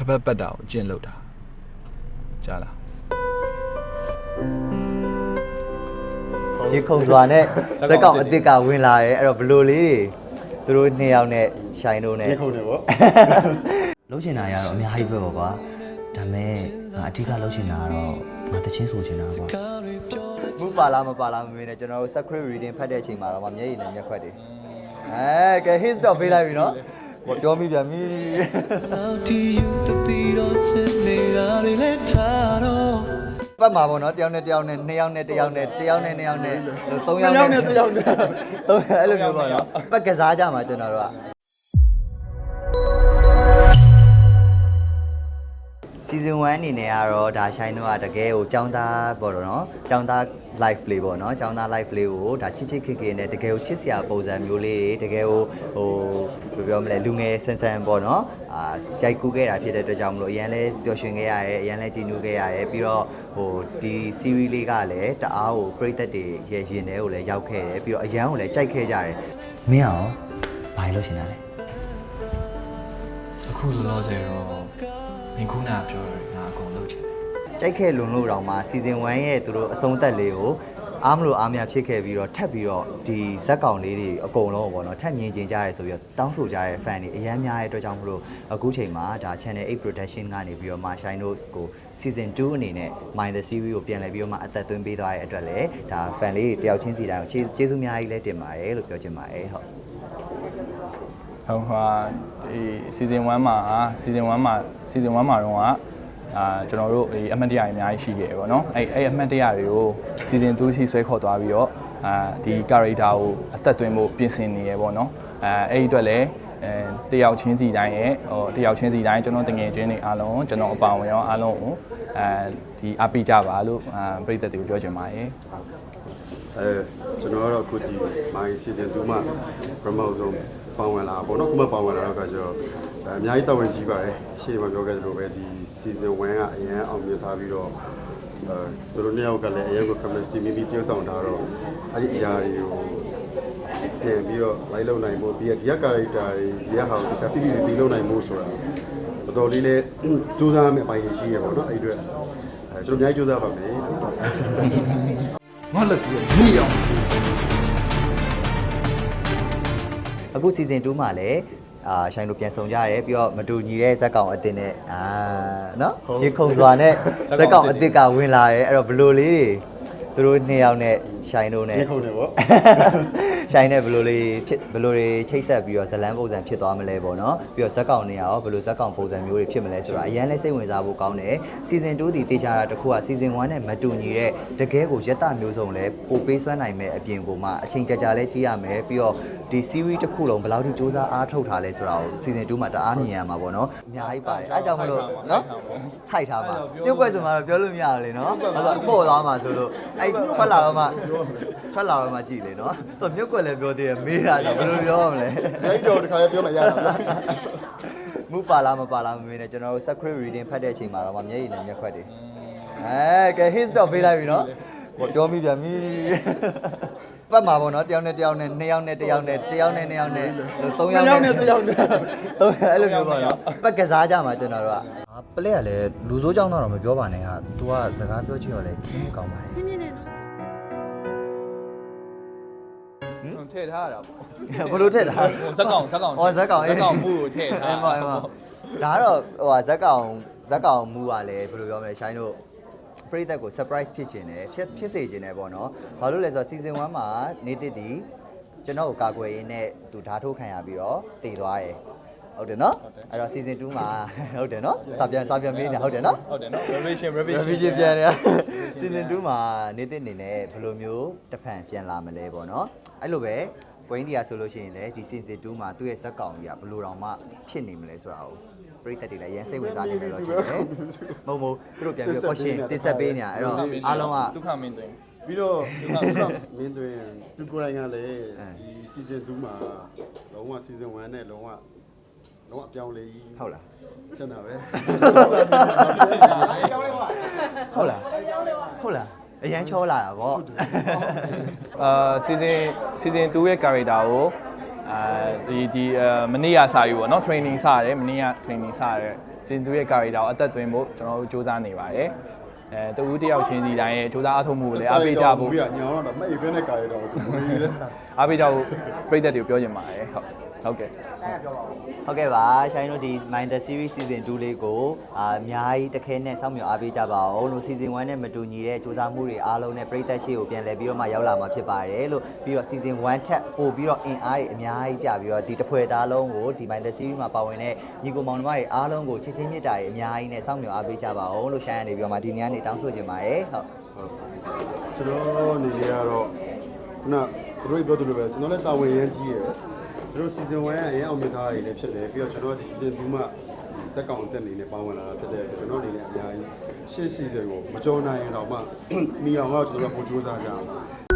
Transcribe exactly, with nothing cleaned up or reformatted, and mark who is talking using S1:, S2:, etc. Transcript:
S1: ပတ်ပတ်တာကိုကျင့်လုပ်တာကြားလား
S2: ရေခုံစွာနဲ့ဇက်ကောင်အစ်စ်ကဝင်လာတယ်အဲ့တော့ဘလိုလေးတွေသူတို့နှစ်ယောက်နဲ့ရှိုင်းတို့နဲ့ရေခုံတယ်ပေါ့လုံးချင်တာရတော့အများကြီးပဲပေါ့ကွာဒါမဲ့ငါအဓိကလုံးချင်တာကတော့ငါတချင်းဆိုချင်တာကွာမူပါလားမပါလားမမေးနဲ့ကျွန်တော်တို့ secret reading ဖတ်တဲ့အချိန်မှာတော့မျက်ရည်နဲ့မျက်ခွက်တွေအဲကဲ hit stop ပေးလိုက်ပြီနော်ဟောပြောမိပြန်ပြီပတ်မှာပေါ့နော်တယောက်နဲ့တယောက်နဲ့နှစ်ယောက်နဲ့တယောက်နဲ့တယောက်နဲ့နှစ်ယောက်နဲ့သုံးယောက်နဲ့တယောက်နဲ့သုံးအဲ့လိုမျိုးပေါ့နော်ပတ်ကစားကြမှာကျွန်တော်တို့ကseason one အနေနဲ့ကတော့ဒါရှိုင်းတို့ကတကယ်ကိုចောင်းသားပေါ့တော့နော်ចောင်းသား live လေးပေါ့နော်ចောင်းသား live လေးကိုဒါချစ်ချစ်ခင်ခင်နဲ့တကယ်ကိုချစ်စရာပုံစံမျိုးလေးတွေတကယ်ကိုဟိုဘယ်ပြောမလဲလူငယ်ဆန်းဆန်းပေါ့နော်အာရိုက်ကူးခဲ့တာဖြစ်တဲ့အတွက်ကြောင့်မလို့အရန်လဲပျော်ရွှင်ခဲ့ရတယ်အရန်လဲကြည်နူးခဲ့ရတယ်ပြီးတော့ဟိုဒီ series လေးကလည်းတအားကိုပရိသတ်တွေရဲ့ရင်ထဲကိုလည်းရောက်ခဲ့တယ်ပြီးတော့အရန်ကိုလည်းကြိုက်ခဲ့ကြတယ်မင်းအောင်ဘာလို့ရှင်တာလဲ
S1: အခုလောလောဆယ်တော့မင်းခုနကပြောရငါအကုန်လုပ်ချင်တယ်
S2: ကြိုက်ခဲ့လွန်လို့တောင်မှ season one ရဲ့သူတို့အဆုံးသက်လေးကိုအားမလို့အားမရဖြစ်ခဲ့ပြီးတော့ထပ်ပြီးတော့ဒီဇက်ကောင်လေးတွေအကုန်လုံးပေါ့နော်ထပ်မြင်ကျင်ကြရဲဆိုပြီးတော့တောင်းဆိုကြတဲ့ fan တွေအများများရဲ့အတွက်ကြောင့်မလို့အခုချိန်မှာဒါ channel eight production ကနေပြီးတော့ Shine Notes ကို season two အနေနဲ့ Mind the Series ကိုပြန်လည်ပြီးတော့မှအသက်သွင်းပေးသွားတဲ့အတွက်လည်းဒါ fan လေးတွေတယောက်ချင်းစီတိုင်းကိုကျေးဇူးအများကြီးလည်းတင်ပါတယ်လို့ပြောချင်ပါတယ်ဟုတ်
S1: ဟုတ်ဟာဒီ season one မှာ season one မှာ season one မှာတော့အာကျွန်တော်တို့ဒီအမှတ်တရတွေအများကြီးရှိခဲ့ပေါ့နော်အဲ့အဲ့အမှတ်တရတွေကို season two ရှိဆွဲခေါ်သွားပြီးတော့အာဒီ character ကိုအသက်သွင်းဖို့ပြင်ဆင်နေရပေါ့နော်အဲအဲ့ဒီအတွက်လည်းအဲတယောက်ချင်းစီတိုင်းရဲ့ဟိုတယောက်ချင်းစီတိုင်းကျွန်တော်တငယ်ချင်းတွေအားလုံးကျွန်တော်အပါဝင်ရောအားလုံးကိုအဲဒီအားပေးကြပါလို့အာပြည်သက်တွေကိုပြောချင်ပါတယ်
S3: အဲကျွန်တော်ကတော့အခုဒီ my season two မှာ promote ဆုံးပေါဝင်လာပေါ့နော်ခုမှပေါဝင်လာတော့ကကျတော့အများကြီးတောင်းဝင်ကြီးပါတယ်ရှေ့မှာပြောခဲ့သလိုပဲဒီ season one ကအရင်အောင်မြင်ထားပြီးတော့အဲသူတို့နှစ်ယောက်ကလည်းအရင်က chemistry မိမိပြောဆောင်ထားတော့အဲ့ဒီအရာတွေကိုပြန်ပြီးတော့လိုက်လုံနိုင်ဖို့ဒီကဒီက character တွေဒီကဟာကိုတစ်ခြားပြည့်ပြည့်ပြီးလုံနိုင်ဖို့ဆိုတာတော်တော်လေးလည်းစူးစမ်းမယ့်အပိုင်းရှိရပေါ့နော်အဲ့ဒီအတွက်အဲကျွန်တော်အများကြီးစူးစမ်းပါမယ်
S1: ငါလက်ပြီးမိအောင်
S2: အခု season two မှာလည်းအာရှိုင်းတို့ပြန်ဆောင်ကြရတယ်ပြီးတော့မတူညီတဲ့ဇက်ကောင်အစ်စ်နဲ့အာနော်ရေခုံစွာနဲ့ဇက်ကောင်အစ်စ်ကဝင်လာတယ်အဲ့တော့ဘလိုလေးတွေသူတို့နှစ်ယောက်နဲ့ရှိုင်းတို့နဲ့ရေခုံတယ်ပေါ့ရှိုင်းနဲ့ဘလိုလေးဖြစ်ဘလိုတွေချိတ်ဆက်ပြီးတော့ဇလန်းပုံစံဖြစ်သွားမလဲပေါ့နော်ပြီးတော့ဇက်ကောင်တွေရောဘလိုဇက်ကောင်ပုံစံမျိုးတွေဖြစ်မလဲဆိုတာအရင်လဲစိတ်ဝင်စားဖို့ကောင်းတယ် season two ဒီတေချာတာတခုက season one နဲ့မတူညီတဲ့တကယ်ကိုရက်တမျိုးစုံလဲပိုပေးစွမ်းနိုင်မဲ့အပြင်ကိုမှအချိန်ကြာကြာလဲကြည့်ရမယ်ပြီးတော့ဒီ series တစ်ခုလုံးဘယ်လောက်ထိစူးစမ်းအားထုတ်ထားလဲဆိုတာကို season two မှာတအားမြင်ရမှာပေါ့နော်အများကြီးပါတယ်အဲကြောင့်မလို့နော်ထိုက်ထားပါပြုတ်ကွက်ဆိုမှတော့ပြောလို့မရဘူးလေနော်အဲ့တော့ပို့သွားမှာဆိုလို့အဲ့ထွက်လာတော့မှထွက်လာတော့မှကြည့်လေနော်သူမြုပ်ကွက်လည်းပြောသေးတယ်မေးတာဆိုဘယ်လိုပြောရမလဲ
S3: အဲ့တော့တခါလေးပြောမှရတာဗျာ
S2: မူပါလားမပါလားမမေးနဲ့ကျွန်တော်တို့ secret reading ဖတ်တဲ့အချိန်မှာတော့မျက်ရည်နဲ့မျက်ခွက်တွေအဲကဲ hit stop ပေးလိုက်ပြီနော်ဟောပြောမိပြန်ပြီပတ်မှာပေါ့နော်တယောက်နဲ့တယောက်နဲ့နှစ်ယောက်နဲ့တယောက်နဲ့တယောက်နဲ့နှစ်ယောက်နဲ့သုံးယောက်နဲ့တယောက်နဲ့သုံးအဲ့လိုမျိုးပေါ့နော်ပတ်ကစားကြမှာကျွန်တော်တို့ကပလဲကလည်းလူစိုးကြောင်းတော့မပြောပါနဲ့ဟာ तू ကစကားပြောချင်တော့လေခင်းမှုကောင်းပါတယ်
S4: မြင်မြင်နဲ့နော်
S1: ထည့်ထားရတာပေါ့
S2: ဘယ်လိုထည့်ထား
S1: ဇက်ကောင်ဇက်ကောင်
S2: ဩဇက်ကောင်
S1: ဇက်ကောင်မှုကိုထည့်ထား
S2: အဲ့မှာအဲ့မှာဒါကတော့ဟိုဟာဇက်ကောင်ဇက်ကောင်မှုကလည်းဘယ်လိုပြောမလဲရှိုင်းတို့ပရိသတ်ကို surprise ဖြစ်ခြင်းနဲ့ဖြစ်ဖြစ်စေခြင်းနဲ့ပေါ့နော်ဘာလို့လဲဆိုတော့ season one မှာနေတစ်တီကျွန်တော်ကိုကာကွယ်ရင်းနဲ့သူဓာတ်ထိုးခံရပြီးတော့တည်သွားတယ်ဟုတ်တယ်နော်အဲ့တော့ season two မှာဟုတ်တယ်နော်စာပြန်စာပြန်မေးနေဟုတ်တယ်နော်
S1: ဟုတ်တယ်နော် revision revision
S2: revision ပြန်နေ season two မှာနေတစ်အနေနဲ့ဘယ်လိုမျိုးတစ်ဖန်ပြန်လာမလဲပေါ့နော်အဲ့လိုပဲကွင်းဒီယာဆိုလို့ရှိရင်လည်းဒီ season two မှာသူ့ရဲ့ဇက်ကောင်ကြီးကဘယ်လိုတောင်မှဖြစ်နေမလဲဆိုတာကိုပရိသတ်တွေလည်းရန်စိတ်ဝင်စားနေတယ်လို့ထင်တယ်မဟုတ်ဘူးသူတို့ပြန်ပြီး question တင်ဆက်ပေးနေတာအဲ့တော့အားလုံးက
S1: ဒုက္ခမင်းသွင်း
S3: ပြီးတော့မင်းသွင်းသူကိုယ်တိုင်ကလည်းဒီ season two မှာလုံးဝ season one နဲ့လုံးဝလုံးဝအပြောင်းလဲကြီး
S2: ဟုတ်လား
S3: ကျန်တာပဲ
S2: ဟုတ်လားဟုတ်လားအရန်ချောလာတာဗော
S1: အာ season season two ရဲ့ character ကိုအာဒီဒီမနေ့ကစာယူပေါ့နော် training စရတယ်မနေ့က training စရတယ် season two ရဲ့ character ကိုအသက်သွင်းဖို့ကျွန်တော်တို့စူးစမ်းနေပါတယ်အဲတဦးတယောက်ချင်းစီတိုင်းရဲ့စူးစမ်းအထောက်မှုကိုလည်းအားပေးကြဖို့
S3: ညောင်းတော့မှတ်ရပြတဲ့ကာရီတော့သူမင်းလေ
S1: အားပေးကြဖို့ပြည်သက်တွေကိုပြောချင်ပါတယ်ဟုတ်ဟုတ်ကဲ့
S2: ဟုတ်ကဲ့ပါရှိုင်းတို့ဒီ Mind the Series Season two လေးကိုအာအများကြီးတခဲနဲ့စောင့်မျှော်အားပေးကြပါအောင်လို့ Season one နဲ့မတူညီတဲ့စူးစမ်းမှုတွေအားလုံးနဲ့ပြည်သက်ရှိကိုပြန်လည်ပြီးတော့မှရောက်လာမှာဖြစ်ပါတယ်လို့ပြီးတော့ Season one ထက်ပို့ပြီးတော့အင်အားတွေအများကြီးပြပြီးတော့ဒီတစ်ဖွဲ့သားလုံးကိုဒီ Mind the Series မှာပါဝင်တဲ့ညီကိုမောင်နှမတွေအားလုံးကိုချစ်ချင်းမြတ်တာတွေအများကြီးနဲ့စောင့်မျှော်အားပေးကြပါအောင်လို့ရှိုင်းရနေပြီးတော့မှဒီနေ့ကနေတောင်းဆိုချင်ပါတယ်ဟုတ်
S3: ကျွန်တော်နေရတော့ခုနသူတို့ပြောသလိုပဲကျွန်တော်လည်းတာဝန်ရမ်းကြီးရယ်သူတို့ season one ရဲ့အရင်အောင်မြင်သားတွေလည်းဖြစ်တယ်ပြီးတော့ကျွန်တော်ဒီ season two မှာဇက်ကောင်အသက်နေနဲ့ပေါင်းဝင်လာတာဖြစ်တယ်ကျွန်တော်အနေနဲ့အများကြီးရှေ့ season ကိုမကြောနိုင်ရင်တော့မှမိအောင်တော့ကျွန်တော်ပို့ကြိုးစားကြအောင်